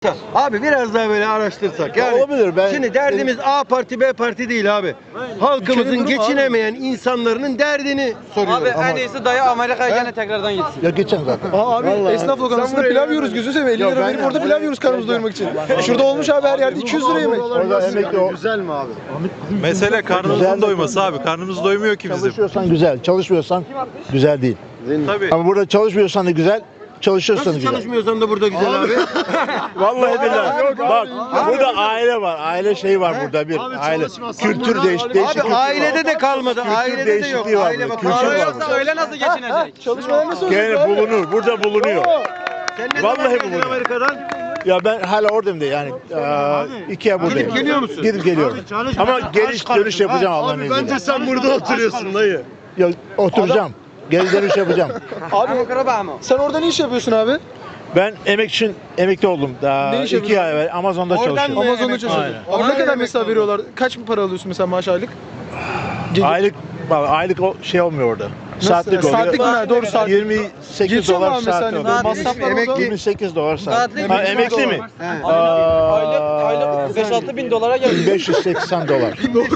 Abi biraz daha böyle araştırsak. Yani olabilir. şimdi derdimiz A parti B parti değil abi. Halkımızın geçinemeyen insanların derdini soruyoruz. Abi en iyisi dayı Amerika'ya gene tekrardan gitsin. Ya geçen zaten. Abi esnaf lokantasında pilav yiyoruz gözünü seveyim. 50 lira verip orada pilav yiyoruz karnımızı doyurmak için. Şurada olmuş abi her yerde 200 lira yemek. Orada emekli o. Güzel mi abi? Mesele karnımızın doyması abi. Karnımız doymuyor ki bizim. Çalışıyorsan güzel, çalışmıyorsan güzel değil. Tabii. Ama burada çalışmıyorsan da güzel, çalışıyorsan da Nasıl güzel. çalışmıyorsan da burada güzel abi. Vallahi billahi. Bak burada aile var. Aile şeyi var burada bir. Aile. Kültür değişik. Abi ailede de kalmadı. Ailede de yok. değişikliği var Aile burada. bak. Kültür Aile var yoksa burada. Öyle nasıl geçinecek? Çalışmalar nasıl olacak Gene abi? bulunur. Burada bulunuyor. Sen ne zaman Vallahi geldin bu. Amerika'dan? Ya ben hala oradayım da yani 2 ay buradayım. Gidip geliyor musun? Gidip geliyorum. Ama geliş dönüş yapacağım Allah'ın izniyle. Bence sen burada oturuyorsun dayı. Ya, oturacağım. Geri dönüş yapacağım. Abi sen orada ne iş yapıyorsun abi? Ben emekli oldum. Daha Ne iş 2 ay evvel Amazon'da Oradan çalışıyorum. mı? Amazon'da Evet, çalışıyorsun. aynen. Abi ne kadar Aynen. mesela veriyorlar? Kaç para alıyorsun mesela maaş aylık? Gece- Aylık o şey olmuyor orada. Nasıl? Saatlik oluyor. Saatlik mi? Doğru, saatlik. 28 Geçiyor mu dolar abi mesela saat hani oluyor. böyle masraflar Emekli- orada? 28 dolar saat. Saatlik Ha, mi? emekli mi? Aylık 5-6 bin dolara geliyor. 580 dolar.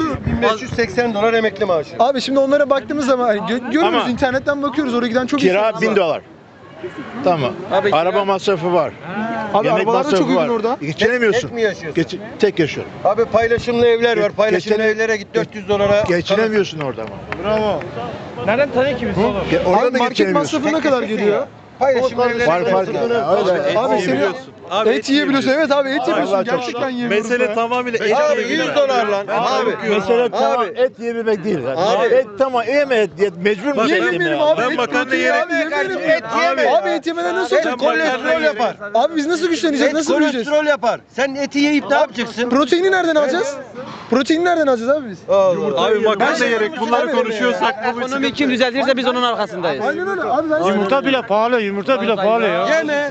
1580 dolar emekli maaşı. Abi şimdi onlara baktığımız zaman hani görüyoruz Ama- internetten bakıyoruz oraya giden çok Kira insan 1000 var. dolar. Tamam. Abi kira- Araba masrafı var. Abi Yemek arabalar da çok masrafı uygun var. orada. Geçinemiyorsun. Tek mi yaşıyorsun? Tek yaşıyorum. Abi paylaşımlı evler var. Paylaşımlı Geçene- evlere git 400 dolara. Geçinemiyorsun orada ama. Bravo. Nereden tanıyor ki biz oğlum? Orada Abi da market geçinemiyorsun. masrafı ne kadar geliyor? Paylaşımlı evlere Var git. fark. Öyle. Abi senin Abi et yiyebiliyorsun. Evet abi et yiyorsun. Vallahi çok Gerçekten yiyebiliyorsun. Mesele ya. tamamıyla et Abi yiyebilmek. 100 dolar lan. Abi. Mesela tamam Abi. et yiyebilmek değil. Abi. Et tamam yeme et mecbur musun? Niye et yemeyelim yemeye? abi? Ben Et makarna protein yerim. abi, yemeyelim. Et yeme. Abi et yemeden nasıl Et olacak? kolesterol yapar. Abi biz nasıl güçleneceğiz? Et Nasıl büyüyeceğiz? kolesterol yapar. Sen eti yiyip ne yapacaksın? Proteini nereden alacağız? Proteini nereden alacağız abi biz? Abi makarna yerek bunları konuşuyorsak bu bir Ekonomi kim düzeltirse biz onun arkasındayız. Aynen öyle. Abi ben Yumurta bile pahalı, yumurta bile pahalı ya. Yeme.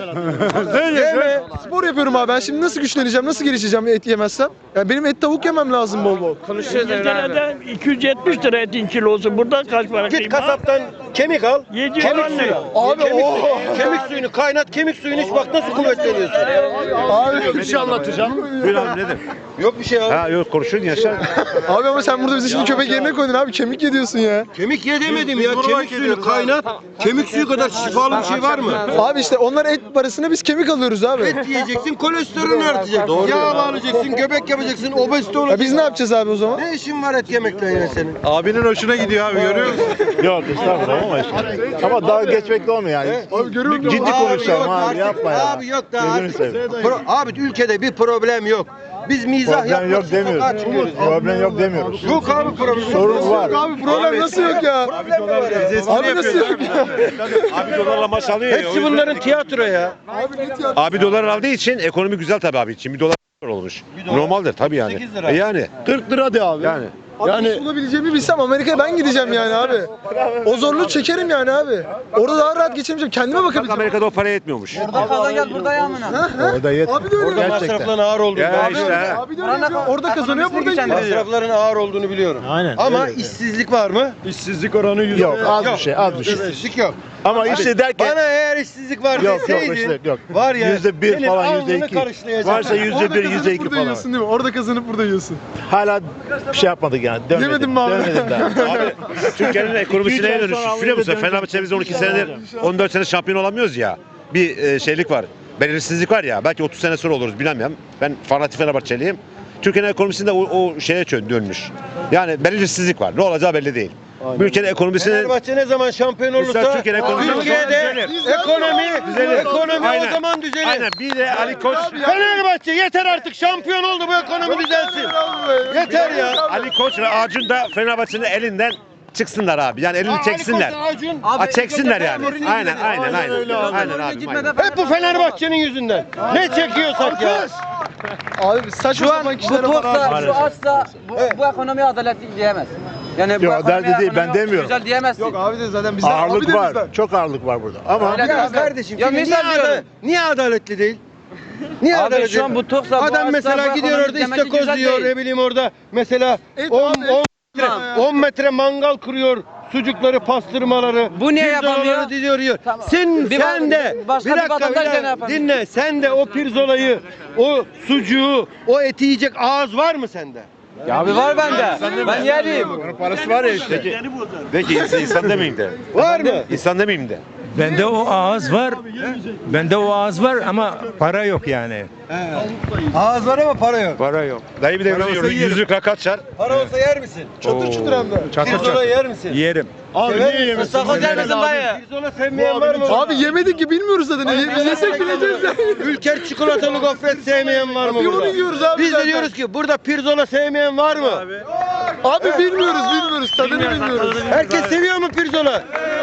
Yeme. spor yapıyorum abi. Ben şimdi nasıl güçleneceğim? Nasıl gelişeceğim et yemezsem? Ya benim et tavuk yemem lazım bol bol. Konuşuyoruz Emre abi. İngiltere'de 270 lira etin kilosu. Burada kaç para Git kıyma? kasaptan kemik al. 700 Kemik suyu. lira. Abi Kemik suyunu kaynat, kemik suyunu iç bak nasıl kuvvetleniyorsun. Abi Bir şey anlatacağım. Buyur abi nedir? Yok bir şey abi. Ha yok konuşun yaşar. Abi ama sen burada bizi şimdi köpek yerine koydun abi. Kemik yediyorsun ya. Kemik ye demedim ya. Kemik suyunu kaynat. Kemik suyu kadar şifalı bir şey var mı? Abi işte onlar et parasına biz kemik alıyoruz abi. Et yiyeceksin, kolesterolün artacak. Yağ alacaksın, göbek yapacaksın, obezite Ya olacaksın. biz ne yapacağız abi o zaman? Ne işin var et yemekle yine senin? Abinin hoşuna gidiyor abi görüyor musun? Yok estağfurullah ama işte. Ama daha geçmek de olmuyor yani. Abi görüyor musun? Ciddi konuşalım abi artık. yapma ya. Abi yok daha Gözünü artık. seveyim. Abi ülkede bir problem yok. Biz mizah Problem yapmak yok için sokağa demiyoruz. çıkıyoruz. Problem yok demiyoruz. Yok abi problem. Sorun var. Abi problem nasıl yok ya? Problem var ya. Abi nasıl yok ya? Abi dolarla maç alıyor ya. Hepsi bunların tiyatro ya. Abi ne tiyatro? Abi dolar aldığı için ekonomi güzel tabii abi için. Bir dolar olmuş. Normaldir tabii yani. 8 lira. Yani 40 lira de abi. yani. Abi iş bulabileceğimi bilsem Amerika'ya ben gideceğim yani abi. O zorluğu çekerim yani abi. Orada daha rahat geçemeyeceğim. Kendime Bak bakabileceğim. Amerika'da o para yetmiyormuş. Burada kazan gel burada yağmına. Orada yetmiyor. Abi de öyle. Orada Gerçekten. masrafların ağır olduğunu Ya biliyorum. işte. Abi de öyle yapıyor. Orada kazanıyor, burada Ekonomisini gidiyor. Masrafların ağır olduğunu biliyorum. Aynen. Ama öyle. işsizlik var mı? İşsizlik oranı Yok az bir şey az bir şey. İşsizlik yok. Ama işte derken Bana eğer işsizlik var yok deseydin, işte yok. var ya %1 senin falan alnını %2. karışlayacak. Varsa Orada %1 kazanıp %2 burada falan. yiyorsun değil mi? Orada kazanıp burada yiyorsun. Hala bir şey yapmadık yani. Dönmedim. Yemedin mi abi? Dönmedim daha. Abi Türkiye'nin ekonomisine İki ay dönüş. sonra Biliyor musun? Avrupa'ya Fenerbahçe biz 12 senedir 14 sene şampiyon olamıyoruz ya. Bir şeylik var. Belirsizlik var ya. Belki 30 sene sonra oluruz bilemem. Ben fanatik Fenerbahçeliyim. Türkiye'nin ekonomisinde o şeye dönmüş. Yani belirsizlik var. Ne olacağı belli değil. Bu ülkenin ekonomisinin Fenerbahçe ne zaman şampiyon olursa Mesela Türkiye'nin ekonomisi Türkiye'de ekonomi Aynen. o zaman düzelir. Aynen bir de Ali Koç Fenerbahçe yeter artık şampiyon oldu bu ekonomi düzelsin. Yeter ya. Ali Koç ve Acun da Fenerbahçe'nin elinden çıksınlar abi. Yani elini çeksinler. Acun. Ha, çeksinler yani. Aynen aynen aynen. öyle abi. Aynen abi. Aynen. Hep bu Fenerbahçe'nin yüzünden. Ne çekiyorsak ya. Abi saçma Şu an sapan bu kişilere para toksa, harcıyorsun. şu açsa bu ekonomi adaletli diyemez. Yani bu Yok, ekonomi adaletli değil, ben ekonomi demiyorum. Güzel diyemezsin. Yok abi de zaten bizden. abi Ağırlık de var. bizden. Çok ağırlık var burada. Ama Öyle Ya bizden. kardeşim Ya şimdi misal diyorum. niye adaletli değil? Niye Abi adaletli? şu an bu toksa, bu Adam açsa, mesela bu gidiyor ekonomi orada demek ki istakoz güzel diyor değil. ne bileyim orada mesela Et 10 abi, 10 metre mangal kuruyor. sucukları, pastırmaları, Bu niye pirzolaları yapamıyor? diyor. Tamam. Sen Bir de başka bir bir dakika, vatandaş da ne yapamıyor? dinle. Sen de o pirzolayı, o sucuğu, o eti yiyecek ağız var mı sende? Ya abi var bende. Ben yerim. Onun parası var ya işte. Peki insan demeyeyim de. Var mı? İnsan demeyeyim de. Bende o ağız var. Bende o ağız var ama para yok yani. Ağız var ama para yok. Para yok. Dayı bir de yüzlük rakat çar. Para olsa yer misin? Çatır çutur hem de. Pirzola yer misin? Yerim. Abi niye yemiyorsun? Istakoz yer misin dayı? Pirzola sevmeyen var mı? Abi yemedik ki bilmiyoruz zaten. Biz yesek bileceğiz yani. Ülker çikolatalı gofret sevmeyen var mı Bir burada? onu yiyoruz abi Biz de zaten. diyoruz ki burada pirzola sevmeyen var mı? Abi bilmiyoruz. Tadını bilmiyoruz. Herkes seviyor mu pirzola?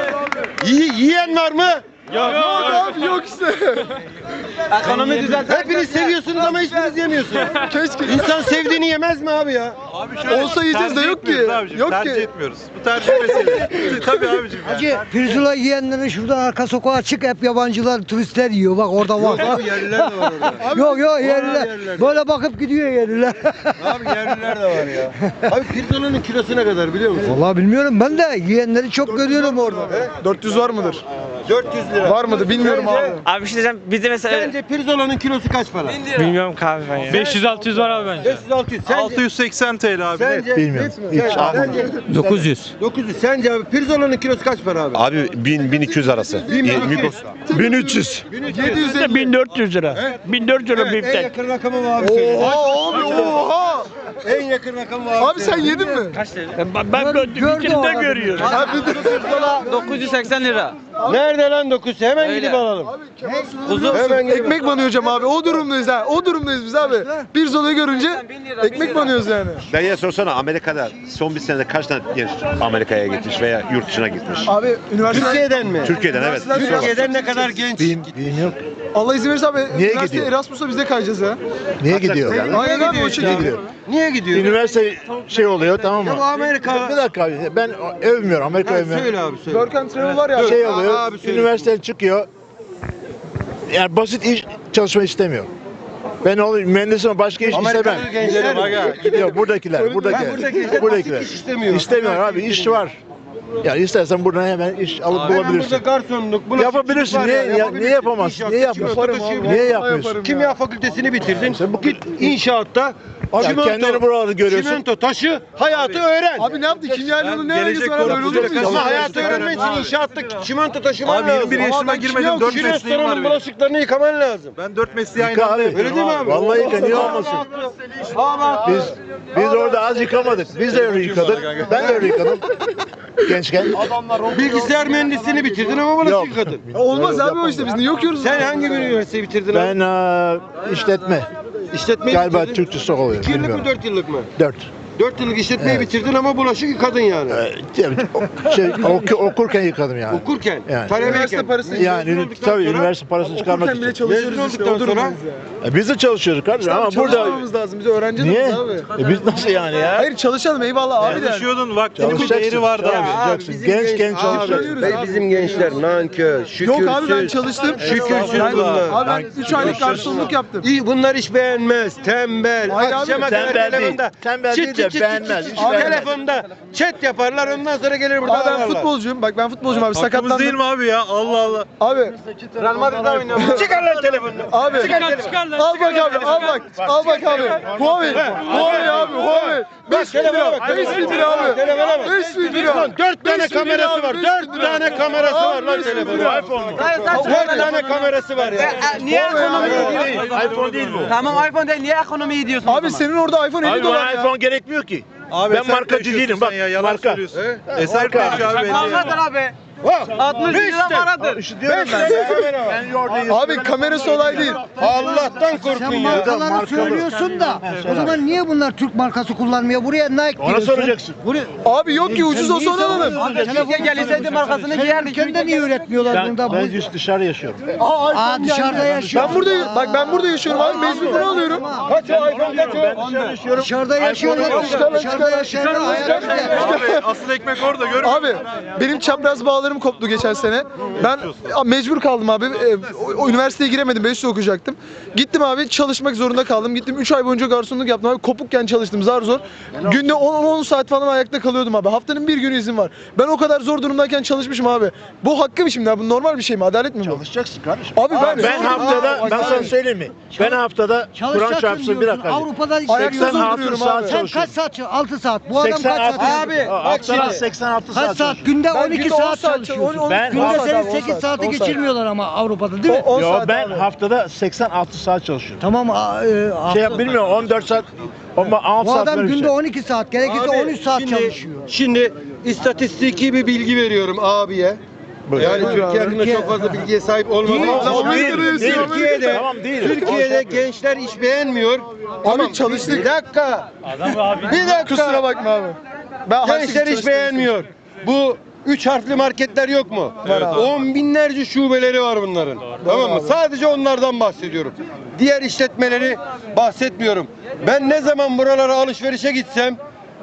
Yiyen var mı? Yok abi yok işte. Ekonomi düzeltmek. Hepiniz seviyorsunuz ama hiçbiriniz yemiyorsunuz. Keşke. İnsan sevdiğini yemez mi abi ya? Abi şöyle, Olsa yiyeceğiz de tercih yok ki. etmiyoruz abicim, Yok tercih ki. etmiyoruz. Bu tercih meselesi. Tabii abicim. Hacı pirzola yiyenlerin şuradan arka sokağa çık, hep yabancılar, turistler yiyor. Bak orada var. Abi yerliler de var orada. Yok yerliler. yerliler. Böyle bakıp gidiyor yerliler. Abi yerliler de var ya. Abi pirzolanın kilosu ne kadar biliyor musun? Vallahi bilmiyorum, ben de yiyenleri çok görüyorum orada. 400 var mıdır? 400 lira. Var mıdır bilmiyorum abi. Abi bir şey diyeceğim. Bizde mesela Sence pirzolanın kilosu kaç para? bilmiyorum kahve ben ya. 500-600 var abi bence. 500-600. Sence? 680 TL abi. Sence? Bilmiyorum. Sence? 900. 900. Sence abi pirzolanın kilosu kaç para abi? Abi 1000-1200 arası. 1300. 750. 1400 lira. 1400 lira Evet, en biftek. yakın rakamı mı abi söyle? Oha abi oha. En yakın rakamı mı abi Abi sen söyle? yedin mi? Ben Gördü bitirde o adam. görüyorum. Pirzola 980 lira. Nerede lan 900? Hemen Öyle. gidip alalım. Kuzu Hemen gidip ekmek banıyacağım abi. O durumdayız ha. O durumdayız biz abi. Pirzolayı görünce ekmek banıyoruz yani. Dayıya sorsana Amerika'da son bir senede kaç tane genç Amerika'ya gitmiş veya yurt dışına gitmiş? Abi üniversite Türkiye'den mi? Türkiye'den evet. Türkiye'den ne kadar genç? Bilmiyorum. Allah izin verirse abi üniversite gidiyor? Erasmus'a biz de kayacağız ya. Niye gidiyor? Aynen abi o şekilde. Niye gidiyor? Üniversite şey oluyor, tamam Ya bu Amerika. Bir dakika abi, ben övmüyorum, Amerika Ha, övmüyorum. söyle abi söyle. Work and Travel var ya. Şey Aa, oluyor, abi söyle. üniversiteden çıkıyor. Yani basit iş çalışma istemiyor. Ben mühendisim, başka iş istemem. Amerikalı gençler mi? Yok buradakiler. Buradakiler iş istemiyor. İstemiyor abi, iş var. Yani istersen buradan hemen iş alıp Hemen burada bulabilirsin. garsonluk, bulaşıkçılık Yapabilirsin. var Niye ya, niye yapabilirsin. yapamazsın? İnşaat, Niye yapmıyorsun? çimento taşı, Niye yapmıyorsun? Kimya fakültesini bitirdin. Git inşaatta. Ya kendini buralarda görüyorsun. Çimento taşı, hayatı öğren. Abi ne yaptı? Kimyayla ne alakası var abi? Öyle olur mu? Ama insan? hayatı öğrenmek için inşaatta çimento taşıman Abi lazım. 21 yaşıma girmedim 4 Şu mesleğim var restoranın benim. bulaşıklarını yıkaman lazım. Ben 4 mesleği aynı Yıka anda abi. yapıyorum. Öyle değil mi abi? Vallahi yıka, niye olmasın? Biz orada az yıkamadık. Biz de öyle yıkadık. Ben de öyle yıkadım. Gençken. Bilgisayar mühendisliğini bitirdin ama Yok. bulaşık yıkadın. Olmaz abi o işte biz niye okuyoruz? Sen hangi bir üniversiteyi bitirdin abi? Ben işletme. İşletmeyi Galiba bitirdin. Türkçesi oluyor. 2 yıllık mı Bilmiyorum. 4 yıllık mı? 4. 4 yıllık işletmeyi bitirdin ama bulaşık yıkadın yani. Okurken yıkadım yani. Okurken, Yani. talebeyken. Üniversite parası Yani tabii üniversite parasını çıkarmak Okurken bile için. çalışıyoruz Mezun işte. olduktan O durumdayız ya. Biz de çalışıyoruz kardeşim ama burada Çalışmamamız lazım. Biz öğrenci niye? adamız abi. Biz nasıl yani ya? Hayır çalışalım eyvallah abi de. Çalışıyordun vaktinin bir Çalışacaksın, değeri vardı abi. çalışacaksın. Bizim Genç Abi, çalışacaksın. bizim gençler nankör, şükürsüz. Yok abi ben çalıştım. Şükürsüz bunlar. Abi ben 3 aylık garsonluk yaptım. Bunlar iş beğenmez, tembel. Hayır abi, Akşama kadar tembel değil. telefonda. Tembel değil de beğenmez, iş Abi beğenmez. telefonda chat yaparlar ondan sonra gelir burada Abi ben ağlarlar. futbolcuyum. Bak ben futbolcuyum abi Hakkımız değil sakatlandım. mi abi ya? Allah Allah. Abi Real Madrid'de oynuyor. Çıkar lan telefonunu. abi al bak abi al bak. Al bak abi. Huawei. Huawei abi Huawei. 5 bin lira. 5 bin lira abi. Telefona bak. 5 bin lira. 4 tane 5 bin lira kamerası abi, var. 5 4 bin lira. tane kamerası var Abi, lan 5 bin telefonun. lira. iPhone mu? 4 tane kamerası var ya. Niye ekonomi Değil, diyorsun? iPhone değil bu. Tamam iPhone değil. Niye ekonomiyi diyorsun? o Abi zaman? senin orada iPhone 50 Abi dolar bana ya. iPhone gerekmiyor ki. Abi Ben sen markacı taşıyorsun değilim, sen bak, ya, yalan marka. söylüyorsun. Eser taşı abi. belli. Markadır abi. 60 lira paradır. İşte diyorum ben. Ben orada Abi kamerası olay değil. Allah'tan korkun Sen ya. markaları söylüyorsun da o zaman niye bunlar Türk markası kullanmıyor? Buraya Nike Ona diyorsun. soracaksın. Buraya Abi yok ki ucuz olsa onu alalım. Türkiye gelseydi markasını giyerdik. ülkende niye üretmiyorlar bunda? Ben dışarı yaşıyorum. Aa dışarıda yaşıyor. Ben burada bak ben burada yaşıyorum abi 5 bin lira alıyorum. Kaç o iPhone kaç o? Ben dışarı yaşıyorum. Dışarıda yaşıyorlar. Dışarıda yaşayanlar hayal Abi asıl ekmek orada görüyor musun? Abi benim çapraz bağlarım bağlarım koptu geçen sene. Ben mecbur kaldım abi. O üniversiteye giremedim. 5 yıl okuyacaktım. Gittim abi çalışmak zorunda kaldım. Gittim 3 ay boyunca garsonluk yaptım abi. Kopukken çalıştım zar zor. Günde 10 saat falan ayakta kalıyordum abi. Haftanın bir günü izin var. Ben o kadar zor durumdayken çalışmışım abi. Bu hakkı mı şimdi abi? Bu normal bir şey mi? Adalet mi bu? Çalışacaksın kardeşim. Abi Ben haftada, ben sana söyleyeyim mi? Ben haftada Kur'an Çalışacaksın çarpsın bir diyorsun. dakika. Avrupa'da Ayakta işleniyor. 86 duruyorum saat abi. Sen çalışıyorum. kaç saat? 6 saat. Bu adam kaç saat? 86 Abi haftada şimdi. 86 kaç saat saat? çalışıyorum. Günde Ben 12 günde 10 saat saat çalışıyorsun. Ben- Günde 10 saat senin abi, 10 8 saat, saati 10 saat. geçirmiyorlar ama Avrupa'da değil mi? 10 Yo saat ben abi. haftada 86 saat çalışıyorum. Tamam. Bilmiyorum 14 saat ama 6 Bu saat adam böyle bir günde şey. 12 saat. Gerekirse Abi, 13 saat şimdi- çalışıyor. Şimdi istatistiki bir bilgi veriyorum abiye. Yani Türkiye hakkında çok fazla bilgiye sahip olmadığım Ama için değil. Türkiye'de Tamam, değil. Türkiye'de gençler iş beğenmiyor. Abi çalıştık. Bir dakika. Bir dakika. Kusura bakma abi. Ben Gençler iş beğenmiyor. Bu 3 harfli marketler yok mu? Var abi. 10 binlerce şubeleri var bunların. Tamam mı? abi. Sadece onlardan bahsediyorum. Diğer işletmeleri bahsetmiyorum. Ben ne zaman buralara alışverişe gitsem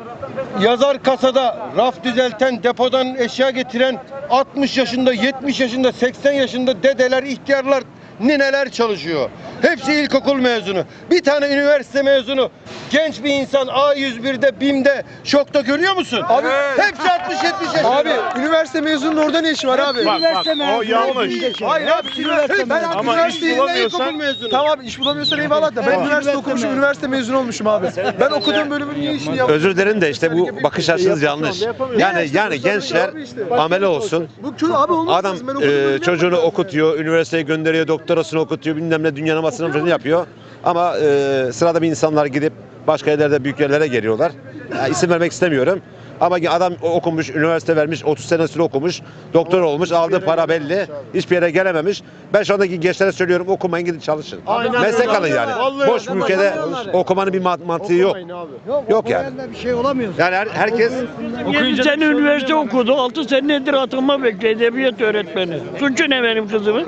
yazar kasada raf düzelten, depodan eşya getiren 60 yaşında, 70 yaşında, 80 yaşında dedeler, ihtiyarlar, nineler çalışıyor. Hepsi ilkokul mezunu. Bir tane üniversite mezunu. Genç bir insan A101'de, BİM'de, şokta görüyor musun? Abi Hepsi 60-70 yaşında. Abi üniversite mezununun orada ne işi var abi? Bak o yanlış. Hayır abi ben abi Ama iş üniversiteye bulamıyorsan ilkokul mezunu. Tamam abi iş bulamıyorsan eyvallah da ben üniversite okumuşum, üniversite mezunu olmuşum abi. Ben okuduğum bölümün niye işini yaptım? Özür dilerim de işte bu bakış açınız yanlış. Yani gençler amele olsun. Bu kötü abi olmaz. Adam Ben okuduğum bölümü çocuğunu yapmadım. okutuyor, üniversiteye gönderiyor, doktorasını okutuyor, bilmem ne dünyanın masrafını yapıyor. Ama sırada bir insanlar gidip başka yerlerde büyük yerlere geliyorlar. İsim vermek istemiyorum. Ama adam okumuş, üniversite vermiş, 30 senesini okumuş, doktor olmuş, aldığı para belli, hiçbir yere gelememiş. Ben şu andaki gençlere söylüyorum, okumayın gidin çalışın. Meslek alın yani. Boş bir ülkede okumanın bir mantığı yok. Yok yani. Bir şey olamıyor. Yani herkes 7 sene üniversite okudu. 6 senedir atılma bekliyor. Edebiyat öğretmeni. Suçu ne benim kızımın?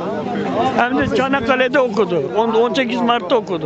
Hem de Çanakkale'de okudu. 18 Mart'ta okudu.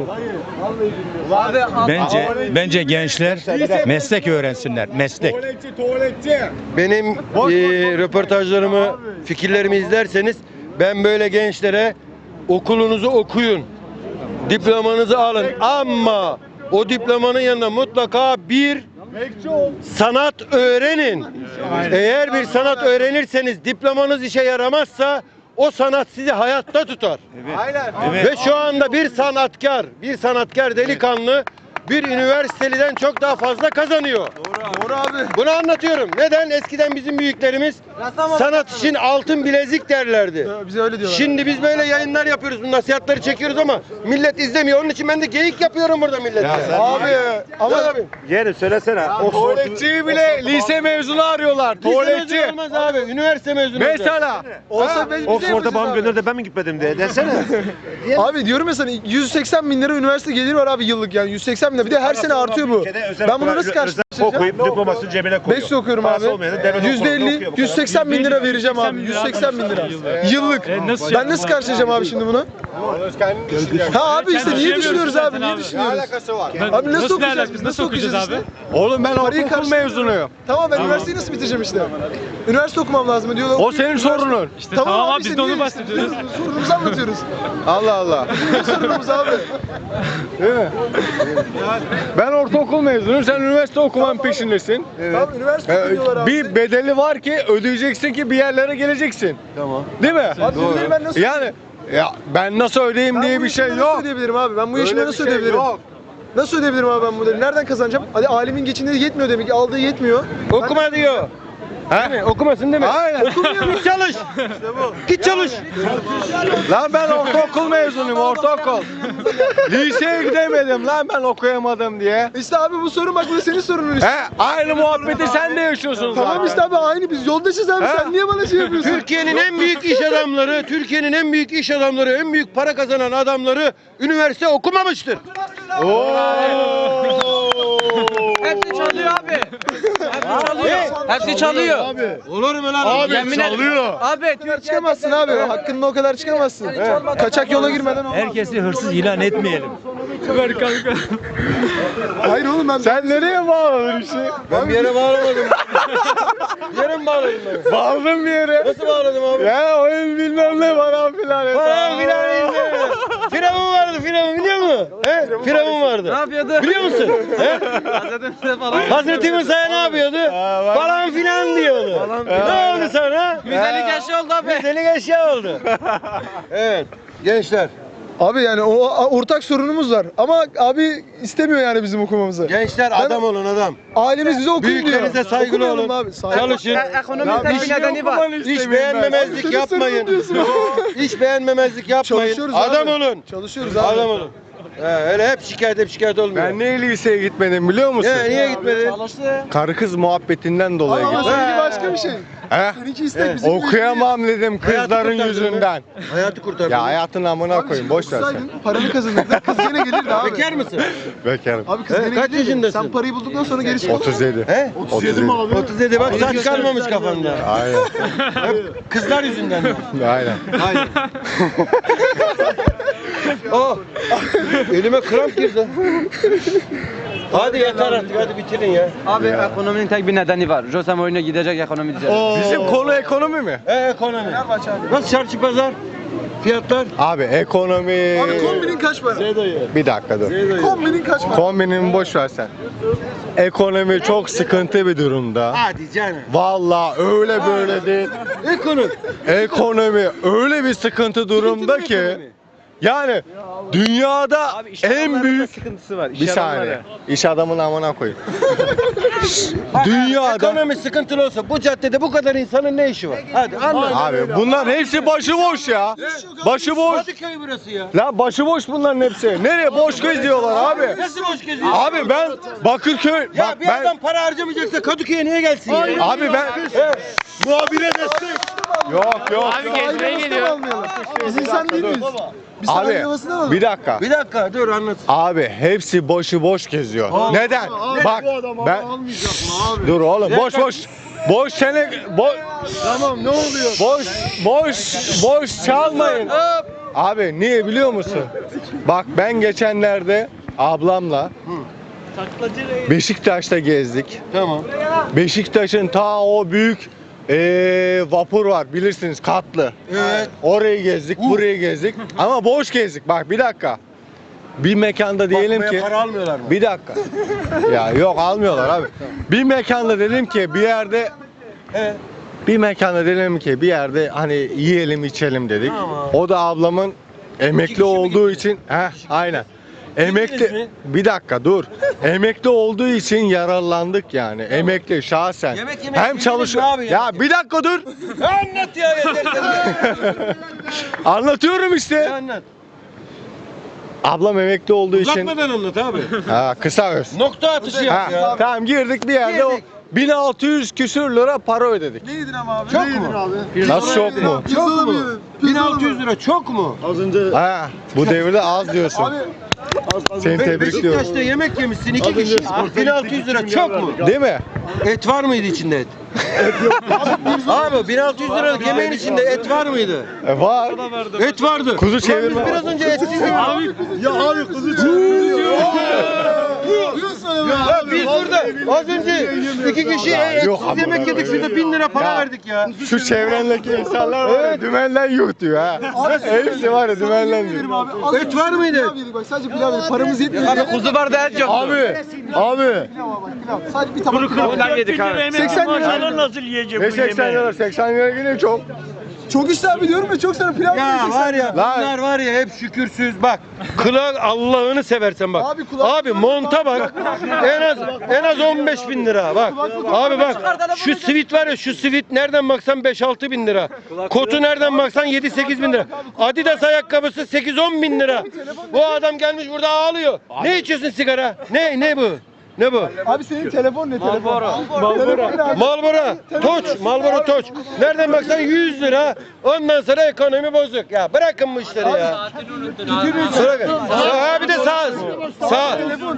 Bence gençler meslek öğrensinler. Meslek. Benim röportajlarımı, fikirlerimi izlerseniz ben böyle gençlere okulunuzu okuyun, diplomanızı alın ama o diplomanın yanında mutlaka bir sanat öğrenin. Eğer bir sanat öğrenirseniz diplomanız işe yaramazsa o sanat sizi hayatta tutar. Ve şu anda bir sanatkar delikanlı bir üniversiteliden çok daha fazla kazanıyor. Doğru abi. Bunu anlatıyorum. Neden? Eskiden bizim büyüklerimiz sanat için altın bilezik derlerdi. Bize öyle diyorlar. Şimdi biz böyle yayınlar yapıyoruz, bu nasihatleri çekiyoruz ama millet izlemiyor. Onun için ben de geyik yapıyorum burada millete. Abi ama Abi. yeğenim söylesene. tuvaletçiyi bile lise mezunu arıyorlar. Tuvaletçi olmaz abi. Üniversite mezunu. Mesela. Olsa biz Oxford'a babam gönderdi ben mi gitmedim diye desene. Abi diyorum ya sana 180 bin lira üniversite geliri var abi yıllık yani 180 bin lira. Bir de her sene artıyor bu. Ben bunu nasıl karşılayacağım? Okuyup diplomasını cebine koyuyor. 5 okuyorum abi. Parası olmayanı devlet okulunda okuyor %50, bu kadar. 180 bin lira vereceğim abi. 180 bin lira. Yıllık. Ben nasıl karşılayacağım abi şimdi bunu? Ha abi işte niye düşünüyoruz abi? Niye düşünüyoruz? Abi nasıl okuyacağız biz? Nasıl okuyacağız işte? Oğlum ben okul mezunuyum. Tamam ben üniversiteyi nasıl bitireceğim işte? Üniversite okumam lazım diyorlar. O senin sorunun. İşte tamam abi biz de onu bahsediyoruz. Sorunumuzu anlatıyoruz. Allah Allah. Sorunumuz abi. Ben ortaokul mezunuyum, sen üniversite okumanın peşindesin. Tamam üniversite okuyorlar abi. Bir bedeli var ki ödeyeceksin ki bir yerlere geleceksin. Tamam. Değil mi? Abi bunları ben nasıl Yani ya ben nasıl ödeyeyim diye bir şey Nasıl yok. ödeyebilirim abi? Ben bu yaşımda Öyle nasıl bir şey ödeyebilirim? yok. Nasıl ödeyebilirim abi ben bu ödevi? Nereden kazanacağım? Hadi alimin geçindiği yetmiyor demek ki aldığı yetmiyor. Okuma diyor. He? Okumasın değil mi? Aynen. Git çalış. Git çalış. Lan ben ortaokul mezunuyum, ortaokul. Liseye gidemedim lan ben okuyamadım diye. İşte abi bu sorun bak bu da senin sorunun işte. He, aynı muhabbeti sen de yaşıyorsun zaten. Tamam işte abi aynı biz yoldaşız abi sen niye bana şey yapıyorsun? Türkiye'nin en büyük iş adamları, en büyük para kazanan adamları üniversite okumamıştır. Hepsi çalıyor abi. Hepsi çalıyor. Olur mu lan? Abi çalıyor. Abi Çıkamazsın abi hakkında o kadar çıkamazsın. Kaçak yola girmeden olmaz. Herkesi hırsız ilan etmeyelim. Hayır oğlum ben... Sen nereye bağladın işi? Ben bir yere bağlamadım. Bir yere mi bağladım ben? Bağladın bir yere. Nasıl bağladım abi? Ya oyun bilmem ne falan filan. Falan filan izle. Firavun vardı, Firavun biliyor musun? He? Firavun vardı. Ne yapıyordu? Biliyor musun? He? Hazreti falan. Hazreti Musa'ya ne yapıyordu? Falan filan diyordu. Ne oldu sana? Güzellik eşya oldu abi. Güzellik eşya oldu. Evet. Gençler. Abi yani o ortak sorunumuz var. Ama abi istemiyor yani bizim okumamızı. Gençler adam olun adam. Ailemiz bize okuyun diyor. Büyüklerinize saygılı Okumayalım olun. Abi. Çalışın. Ekonominin tek bir nedeni var. Hiç beğenmemezlik yapmayın. Hiç beğenmemezlik yapmayın. Çalışıyoruz Adam abi. olun. Çalışıyoruz abi. Adam olun. Öyle hep şikayet olmuyor. Ben niye liseye gitmedim biliyor musun? Niye gitmedin? Karı kız muhabbetinden dolayı Ama gittim. seninki başka bir şey. He? Seninki istek bizim Okuyamam dedim kızların kurtardın yüzünden. Hayatı kurtardın. Ya hayatın amına koyayım boş ver sen. Okusaydın, paranı kazanırdın. Kız gene gelirdi abi. Bekar mısın? Bekarım. Abi kız gene Kaç gelirdi. yaşındasın? Sen parayı bulduktan sonra gerisi olur. 37. He? 37 mi abi? 37 bak saç kalmamış kafanda. Aynen. Hep kızlar yüzünden. Aynen. Aynen. Oh! Elime kramp girdi. Hadi yeter artık hadi bitirin ya. Abi ekonominin tek bir nedeni var. Jose Mourinho gidecek, ekonomi düzelecek. Bizim konu ekonomi mi? Ekonomi. Nasıl çarşı pazar? Fiyatlar? Abi ekonomi... Abi kombinin kaç para? Bir dakika dur. Kombinin kaç para? Kombinimi boş ver sen. Ekonomi çok sıkıntı bir durumda. Hadi canım. Vallahi öyle böyle değil. Ekonomi. Ekonomi öyle bir sıkıntı durumda ki yani dünyada en büyük sıkıntısı var. bir saniye. İş adamın amına koyayım. Dünyada Ekonomi sıkıntılı olsa bu caddede bu kadar insanın ne işi var? Hadi anlat. abi bunların hepsi başıboş ya. Başıboş. Kadıköy burası ya. Lan başıboş bunların hepsi. Nereye boş geziyorlar abi? Nasıl boş geziyor? Abi ben Bakırköy Ya bak bir ben adam para harcamayacaksa Kadıköy'e niye gelsin ya? abi ben Muhabire destek. yok Abi gezmeye geliyor. Biz insan değil miyiz? Biz abi sanayi havasını alalım. bir dakika. Bir dakika dur anlat. Abi hepsi boş geziyor. Neden? Bak ben dur oğlum boş sene Tamam ne oluyor? boş çalmayın. Abi niye biliyor musun? Bak ben geçenlerde ablamla Beşiktaş'ta gezdik. Tamam. Beşiktaş'ın ta o büyük vapur var bilirsiniz katlı. Evet. Orayı gezdik, burayı gezdik ama boş gezdik. Bak bir dakika. Bir mekanda diyelim Bakmaya ki para almıyorlar mı? bir dakika. Ya yok almıyorlar abi. Bir mekanda dedim ki bir yerde bir mekanda dedim ki bir yerde hani yiyelim içelim dedik. Tamam. O da ablamın emekli kişi mi olduğu gittiniz? için aynen. mi? Emekli bir dakika dur. Emekli olduğu için yararlandık yani. Emekli şahsen. Yemek Hem yediniz çalışıyor. mi abi Ya yemek? bir dakika dur. Anlat ya yeter. Anlatıyorum işte. Anlat. Ablam emekli olduğu için Uzatmadan anlat abi. kısa öz. Nokta atışı yap ya. Tamam girdik bir yerde o Girdik. 1600 küsür lira para ödedik. Ne yedin ama abi? Çok Ne yedin mu? abi? Nasıl çok mu? Çok mu? 1600 lira çok mu? Ha, bu devirde az diyorsun. Seni tebrikliyorum. Beşiktaş'ta yemek yemişsin 2 kişi. 1600 lira çok mu? Değil mi? Et var mıydı içinde et? Abi 1600 liralık yemeğin içinde et var mıydı? Var. Et vardı. Kuzu Ulan çevirme. biz biraz önce etsiz yedik. Abi kuzu çevirme. Ya biz burada az önce 2 kişi yok etsiz yemek yedik şurada 1000 lira para Ya. verdik ya. Şu çevrendeki insanlar var ya dümenden yuh diyor ha. Hepsi var ya dümenden diyor. Et var mıydı? Pilav yedik bak sadece pilav yedik. Paramız yetmiyor. Abi kuzu var da et yok. Abi. Pilav bak pilav. Sadece bir tabak pilav. Pilav yedik abi. 80 lira. Maşallah nasıl yiyecek Ne bu 80 yemeği? lira? 80 lira yine çok. Çok işte abi diyorum ya çok sana pilav Ya yiyeceksin. var ya Lan. bunlar var ya hep şükürsüz bak. Kulağı Allah'ını seversen bak. Abi kulak- Abi monta bak. En az 15 bin lira bak. Abi bak şu sivit var ya şu sivit nereden baksan 5-6 bin lira. Kotu nereden baksan 7-8 bin lira. Adidas ayakkabısı 8-10 bin lira. Bu adam gelmiş burada ağlıyor. Ne içiyorsun sigara? Ne bu? Ne bu? Abi senin telefon ne telefon? Marlboro Toç, Marlboro Toç. Nereden baksan 100 lira. Ondan sonra ekonomi bozuk. Ya bırakın bu işleri ya. Bırakın. Ha bir de sağ.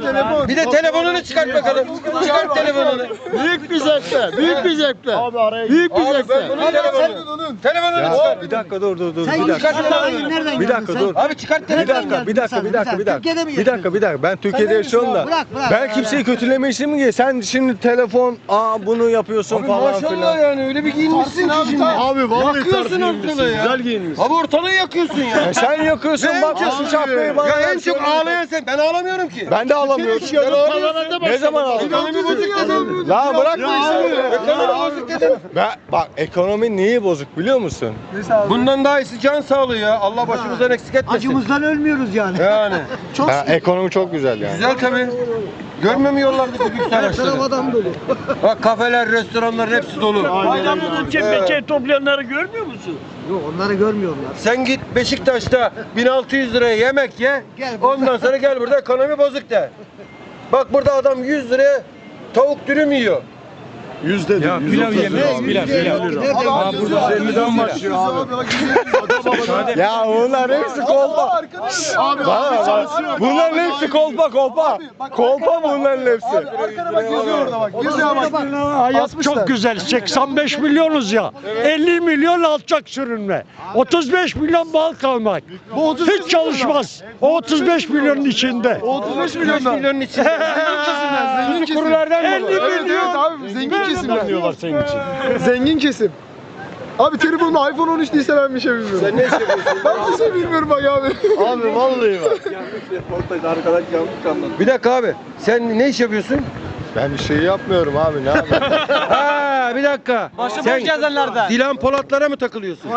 telefon. Bir de telefonunu çıkart bakalım. Çıkart telefonunu. Büyük bir zevkle. Büyük bir zevkle. Büyük bir Abi zevkle. ben bunun telefonunu. Telefonunu çıkart. Bir dakika dur. Sen Bir dakika. nereden Bir dakika dur. Abi çıkart Bir telefonunu. dakika, bir dakika, bir dakika, bir dakika. Türkiye'de mi Bir dakika, bir dakika. Ben Türkiye'de yaşıyorum da. Bırak. Ben kimseyi kötüleme işi mi ki? Sen şimdi telefon, bunu yapıyorsun Abi falan maşallah filan. yani öyle bir giyinmişsin ki şimdi. Abi vallahi Yakıyorsun ortalığı ya. Güzel giyinmişsin. Abi ortalığı yakıyorsun ya. Sen yakıyorsun, bakıyorsun şapkayı bana. Ya en versin. çok ağlayan sen. Ben ağlamıyorum ki. Ben de ağlamıyorum. Ne zaman ağladın? Ekonomi bozuk dedim. La bırak bu işleri. Ekonomi bozuk dedim. Bak ekonomi neyi bozuk biliyor musun? Bundan daha iyisi can sağlığı ya. Allah başımızdan eksik etmesin. Acımızdan ölmüyoruz yani. Yani. Ekonomi çok güzel yani. Güzel tabii. Görmüyor mu yollardaki büyük araçları? Adam dolu. Bak kafeler, restoranlar hepsi dolu. Bayramda çepe toplayanları görmüyor musun? Yok onları görmüyorlar. Sen git Beşiktaş'ta 1600 liraya yemek ye. Ondan sonra gel burada ekonomi bozuk de. Bak burada adam 100 liraya tavuk dürüm yiyor. Yüzde değil. Pilav yemeyiz. Pilav. Abi 150'den başlıyor abi. Ya bunlar hepsi kolpa. Abi Bunların hepsi kolpa. Kolpa bunların hepsi. Arkana bak yazıyor orada bak. Yazıyor bak. Hayat Asmışlar. çok güzel. 85 milyonuz ya. 50 milyon alçak sürünme. 35 milyon bal kalmak. Bu 35 Hiç çalışmaz. O 35 milyonun içinde. 35 milyondan. Milyonun içinde. Zengin kesim. Kurulardan 50 milyon. Abi zengin kesimler. diyorlar senin için. Zengin kesim. Abi telefonumda iPhone 13 değilse ben bir şey bilmiyorum. Sen ne iş yapıyorsun? Ben bir şey bilmiyorum bak abi. Abi vallahi bak. Bir dakika abi. Sen ne iş yapıyorsun? Ben bir şey yapmıyorum abi ne yapayım? Ha bir dakika. Sen Dilan Polatlara mı takılıyorsun?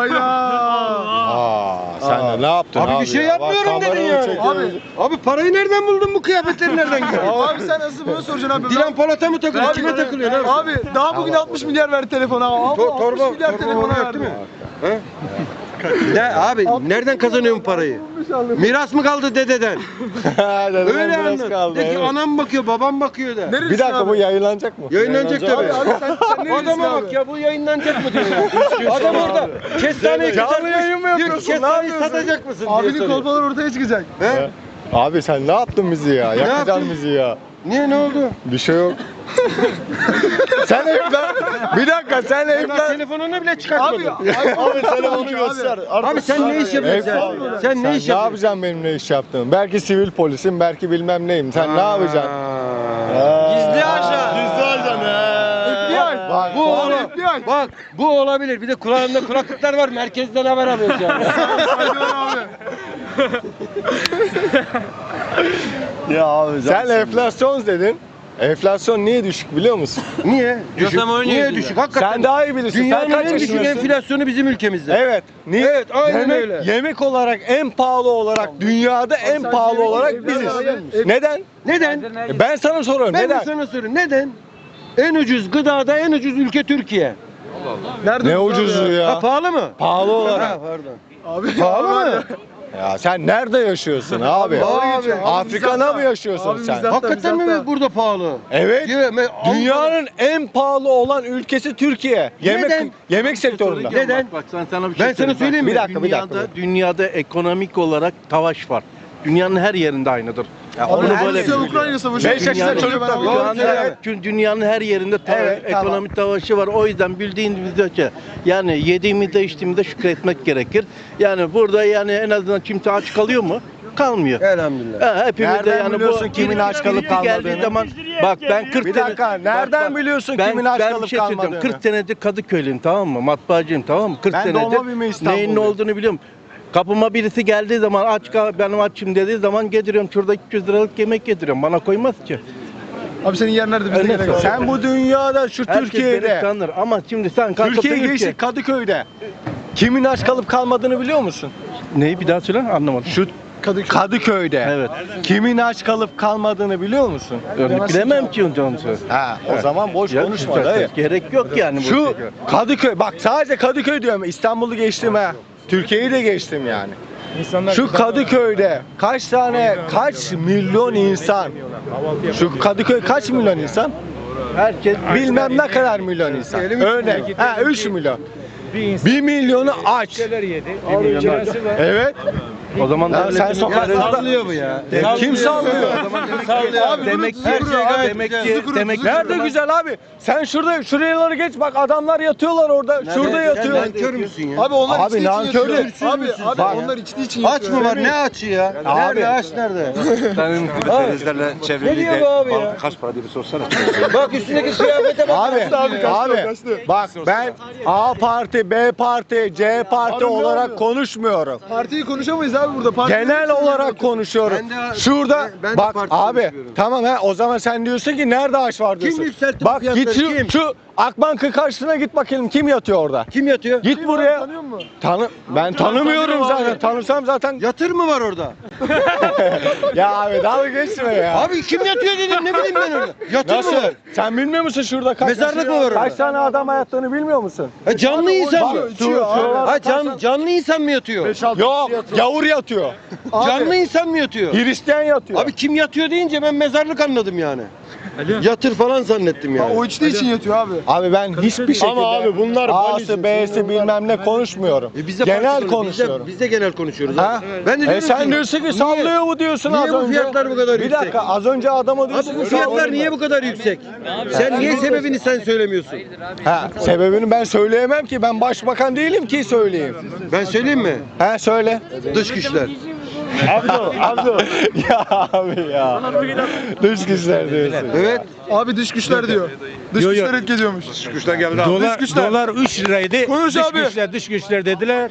Sen de ne yaptın abi? Abi bir şey ya? yapmıyorum Bak, dedin kamerayı yani. çekiyoruz. Abi parayı nereden buldun bu kıyafetleri nereden gördün? Abi sen asıl bunu soracaksın abi. Dilan Polat'a mı takılıyorsun? Abi, Kime takılıyorsun abi? Abi daha bugün 60 milyar verdi telefona. Abi 60 milyar telefona yok verdi. değil mi? He? Ne abi nereden kazanıyorsun parayı? Miras mı kaldı dededen? Dededen Öyle biraz anlat. kaldı, De ki evet. anam bakıyor, babam bakıyor da. Bir dakika bu yayınlanacak mı? Yayınlanacak tabii. Abi sen ne Adama bak ya bu yayınlanacak mı diyor ya. Adam orada kestaneyi Canlı yayın mı diyor ki, yapıyorsun? Ne kestaneyi yapıyorsun? satacak mısın diye Abinin soruyor. kolpaları ortaya çıkacak. He? Abi sen ne yaptın bizi ya? Yakacaksın yaptım? bizi ya. Niye ne oldu? Bir şey yok. Sen bir dakika sen Daha telefonunu bile çıkartmadın. Abi telefonu göster. Abi sen ne iş yapıyorsun sen? Sen ne iş Ne yapıyorsun? yapacaksın benim ne iş yaptığımı? Belki sivil polisim, belki bilmem neyim. Sen ne yapacaksın? Gizli ajan. Gizli ajan FBI. Bak, Bu Abi, olabilir. FBI. Bak bu olabilir. Bir de kulağında kulaklıklar var. Merkezden haber alıyoruz yani. Ya abi sen enflasyon dedin. Enflasyon niye düşük biliyor musun? Niye? Düşük. Niye düşük? Hakikaten. Sen daha iyi bilirsin. Dünyanın sen kaç en düşük yaşındasın? enflasyonu bizim ülkemizde. Evet. Niye? Evet, aynen yemek, öyle. Yemek olarak en pahalı olarak dünyada en pahalı olarak biziz. Neden? Neden? Ben sana soruyorum. Ben de Neden? sana soruyorum. Neden? En ucuz gıdada en ucuz ülke Türkiye. Nerede Ne bu abi ucuzu ya? Ha, pahalı mı? Pahalı olarak. Ha, pardon. Abi Pahalı mı? Ya sen nerede yaşıyorsun abi? Abi, Afrika'da mı yaşıyorsun Abi sen? bizden- Hakikaten mi Bizzat- burada pahalı? Evet. Avrupa'da- Dünyanın en pahalı olan ülkesi Türkiye. Neden? Yemek sektöründe. Neden? Bak sana bir şey Ben sana söyleyeyim mi? Bir dakika, bir dakika. Dünyada ekonomik olarak savaş var. Dünyanın her yerinde aynıdır. Ya Abi onu her böyle Rusya Ukrayna savaşı. Beş yaşında Dünyanın- çocuk da Ben- biliyor. Abi, Dünyanın her yerinde Evet, tamam. ekonomik savaşı var. O yüzden bildiğiniz ölçü yani yediğimizde içtiğimizde şükretmek gerekir. Yani burada yani en azından kimse aç kalıyor mu? Kalmıyor. Elhamdülillah. Hepimiz de Nereden yani biliyorsun kimin aç kalıp geldiği kalmadığını? zaman bak ben 40 Bir dakika, nereden biliyorsun kimin aç ben kalıp bir şey söyleyeceğim. kalmadığını? 40 senedir Kadıköylüyüm, tamam mı? Matbaacıyım, tamam mı? 40 Ben senedir doğma büyüme İstanbulluyum. neyin ne olduğunu biliyorum. Kapıma birisi geldiği zaman benim açım dediği zaman getiriyorum. Şurada 200 liralık yemek getiriyorum. Bana koymaz ki. Abi senin yer nerede? Bize Öyle gerek yok. Sen bu dünyada şu Herkes beni Türkiye'de, tanır ama şimdi sen kalkıp Türkiye dedin geçti ki- Kadıköy'de kimin aç kalıp kalmadığını biliyor musun? Neyi bir daha söyle, anlamadım. Şu Kadıköy'de Evet. kimin aç kalıp kalmadığını biliyor musun? Bilemem ki onu söyle. Ha, o zaman boş Ya, konuşma dayı. gerek yok yani bu Şu şeye. Kadıköy, bak sadece Kadıköy diyorum, İstanbul'u geçtim ha. Türkiye'yi de geçtim yani. Şu Kadıköy'de kaç milyon insan? Şu Kadıköy kaç milyon insan? Herkes Bilmem ne kadar milyon insan. Örnek. Ha 3 milyon. 1 milyonu aç. Evet. O zaman Ya sen devletin- sokaklarda Sallıyor bu ya. kim sallıyor? Sallıyor abi. Demek ki Her şey gayet demek güzel. ki demek ki Nerede güzel abi? Sen şuraları geç bak adamlar yatıyorlar orada. Şurada Sen yatıyor. nankör müsün ya? Abi onlar Abi içtiği için nankör yatıyor. de- Abi Bak. onlar içtiği için Aç yatıyor. mı var? Ne açı ya? Nerede aç nerede? Denizlerle Ne çevrili diyor bu abi ya? kaç para diye bir sorsana. Bak üstündeki kıyafete bak. Abi bak ben A parti, B parti, C parti olarak konuşmuyorum. Partiyi konuşamayız abi burada. Parti Genel olarak konuşuyorum. Ben de- Şurada ben de bak parti abi konuşuyorum. tamam o zaman sen diyorsun ki nerede aş var diyorsun. yükseltti bu Bak git fiyatları, kim? şu Akbank'ın karşısına git bakalım kim yatıyor orada. Kim yatıyor? Git buraya. Tanıyor musun? Ben tanımıyorum tanıyorum zaten. abi. Tanısam zaten. Yatır mı var orada? Ya abi dalga geçme ya. Abi kim yatıyor dedim ne bileyim ben orada. Yatır Nasıl? mı var? Sen bilmiyor musun şurada kaç Mezarlık mı var orada? Kaç tane adam yattığını bilmiyor musun? Canlı insan mı? Şuralarda Canlı insan mı yatıyor? Yok, gavur yatıyor. Canlı insan mı yatıyor? Hristiyan yatıyor. Abi kim yatıyor deyince ben mezarlık anladım yani. Yatır falan zannettim yani. O içtiği için yatıyor abi. Abi ben hiçbir şekilde Ama abi bunlar A'sı B'si bilmem ne konuşmuyorum. Biz de Genel parti konuşuyorum. Biz de genel konuşuyoruz. Ha? Ben de diyorum Sen ki, diyorsun ki sallıyor bu diyorsun niye az bu önce. fiyatlar bu kadar Bir yüksek? dakika az önce adama Abi diyorsun bu ki fiyatlar sallıyor. niye bu kadar yüksek? Sen niye sebebini sen söylemiyorsun? Ha, sebebini ben söyleyemem ki ben başbakan değilim ki söyleyeyim. Ben söyleyeyim mi? Ha söyle. Dış güçler. Abdo. Ya abi ya. Dış güçler diyorsun. Evet. Abi dış güçler diyor. Dış güçler etki ediyormuş. Güçten geldi abi. Dolar 3 liraydı. Konuş abi. Dış güçler dediler.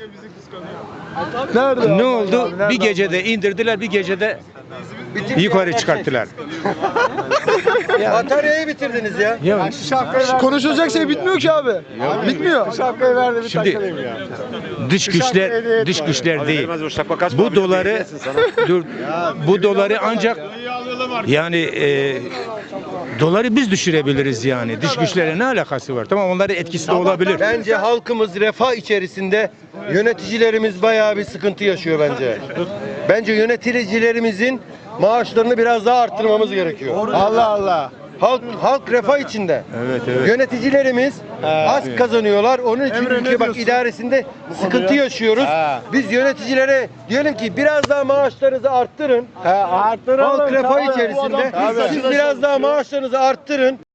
Nerede? Ne oldu? Bir gecede indirdiler, bir gecede yukarı çıkarttılar. Bataryayı bitirdiniz ya. Konuşulacak şey bitmiyor ki abi. Bitmiyor. Şapkayı verdi bir Şimdi takılayım ya. dış güçler değil. Bu doları bu doları ancak yani doları biz düşürebiliriz yani. Dış güçlere ne alakası var? Tamam onların etkisi de olabilir. Bence halkımız refah içerisinde, yöneticilerimiz bayağı bir sıkıntı yaşıyor bence. Bence yöneticilerimizin maaşlarını biraz daha arttırmamız gerekiyor. Allah Allah. Halk refah içinde. Evet. Yöneticilerimiz az kazanıyorlar. Onun için ülke bak idaresinde sıkıntı yaşıyoruz. Biz yöneticilere diyelim ki biraz daha maaşlarınızı arttırın. Arttıralım. Halk refah Tamam. içerisinde. Tabii. Siz biraz daha maaşlarınızı arttırın.